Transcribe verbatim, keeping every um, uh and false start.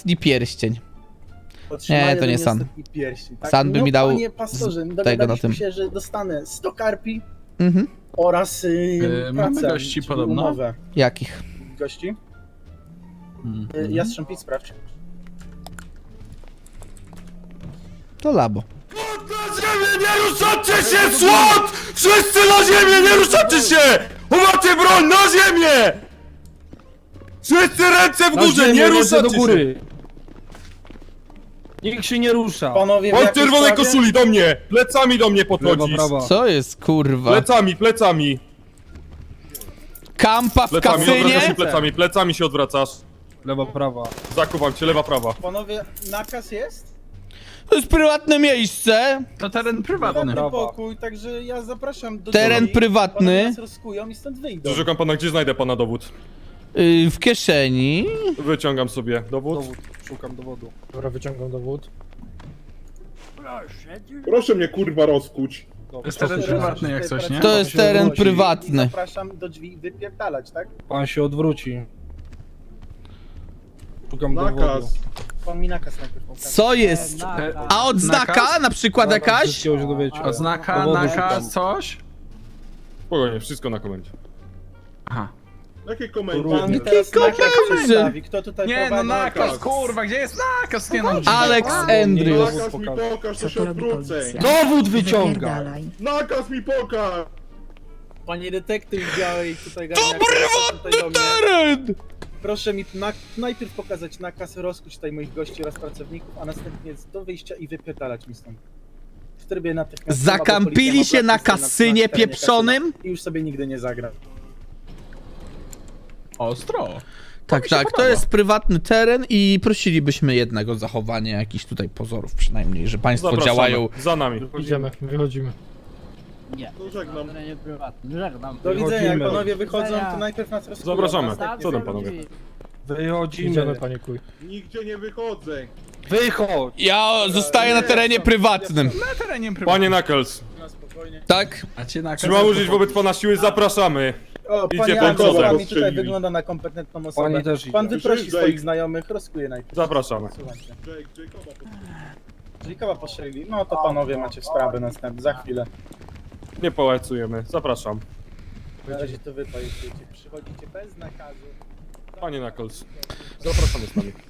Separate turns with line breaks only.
ostatni pierścień.
Otrzymanie
Nie, to nie
ode mnie
San.
ostatni pierścień, tak?
San by
no,
mi dał
Panie pastorze,
z-
dogadaliśmy
tego na tym.
się, że dostanę sto karpi
Mhm.
oraz yy,
Yy, mamy
pracę,
gości
czyli
podobno?
umowę.
Jakich?
Gości?
Mm.
Yy, Jastrzębic, sprawdź.
To labo.
Na ziemię, nie ruszacie się, słod! Wszyscy na ziemię, nie ruszacie się! Umacie broń, na ziemię! Wszyscy ręce w
Na
górze,
ziemię,
nie
ręce
ruszacie
do
się!
góry. Nikt się nie rusza.
Panowie, w
Od
jakiej
czerwonej
sprawie?
koszuli do mnie! Plecami do mnie
Lewa,
podchodzisz!
prawa.
Co jest, kurwa?
Plecami, plecami!
Kampa w
Plecami, odwracasz się
kasynie?
plecami, plecami się odwracasz.
Lewa, prawa.
Zakuwam cię, lewa, prawa.
Panowie, nakaz jest?
To jest prywatne miejsce.
To teren prywatny.
Prywatny
Prawa.
pokój, także ja zapraszam do
Teren
drzwi.
prywatny.
Panowie nas rozkują i stąd wyjdą.
Szukam pana, gdzie znajdę pana dowód?
Yy, w kieszeni.
Wyciągam sobie dowód.
Dowód. Szukam dowodu.
Dobra, wyciągam dowód.
Proszę mnie kurwa rozkuć.
Dobra,
jest teren
proszę.
prywatny jak coś, nie?
To jest teren prywatny.
Zapraszam do drzwi wypierdalać, tak?
Pan się odwróci. Szukam dowodu.
Nakaz.
Pan mi nakaz najpierw pokaże.
Co jest?
Te-
A odznaka
Nakaz?
na przykład
Zaraz
jakaś?
wszystkiego się dowiecie.
Oznaka,
Dowodu
nakaz,
szukam.
coś?
Spokojnie, wszystko na komendzie.
Aha.
Jakie komendy?
Pan teraz nakaz
komendy.
przedstawi. Kto tutaj
Nie no,
prowadzi
nakaz, kurwa, gdzie jest nakaz? Nie no,
Alex Andrews.
Nakaz mi pokaż, to się odwrócę.
Dowód wyciąga!
Wypierdalaj.
Nakaz mi pokaż!
Panie detektyw białej tutaj garniak, tutaj do mnie.
Teren!
Proszę mi na, najpierw pokazać nakaz, rozkuć tutaj moich gości oraz pracowników, a następnie do wyjścia i wypierdalać mi stąd. W trybie natychmiastowym, bo
Zakampili
policja
się
ma
na
blacklistę
kasynie
terenie
pieprzonym?
kasyna I już sobie nigdy nie zagra.
ostro.
Tak,
mi się
tak, to
podoba.
jest prywatny teren i prosilibyśmy jednak o zachowanie jakichś tutaj pozorów przynajmniej, że państwo
Zapraszamy.
działają.
Za nami.
Idziemy, wychodzimy.
To żegnam.
Do widzenia, jak
Wychodzimy.
panowie wychodzą, to najpierw nas rozkują.
Zapraszamy.
następnie
Co tam,
sobie-
panowie?
Wychodzimy.
Idziemy, panie kuj.
Nigdzie nie wychodzę.
Wychodź!
Ja zostaję na terenie prywatnym.
Na terenie prywatnym.
Panie Knuckles,
Na spokojnie.
Tak?
Macie nakaz?
czy ma użyć wobec pana siły? Zapraszamy.
O,
Idzie
panie
pan
Andrzej,
kozak.
pan mi tutaj
Strzelili.
wygląda na kompetentną osobę.
Pani też idzie.
Pan wyprosi
Przyjdzie.
swoich znajomych, rozkuje najpierw.
Zapraszamy.
Słuchajcie.
Jake, Jacoba
Jeżeli koła postrzelili, no to panowie macie sprawy następne, za chwilę.
Nie pałacujemy. Zapraszam.
Na razie to wy pojdziecie. Przychodzicie bez nakazu.
Panie Knuckles, zapraszamy z nami.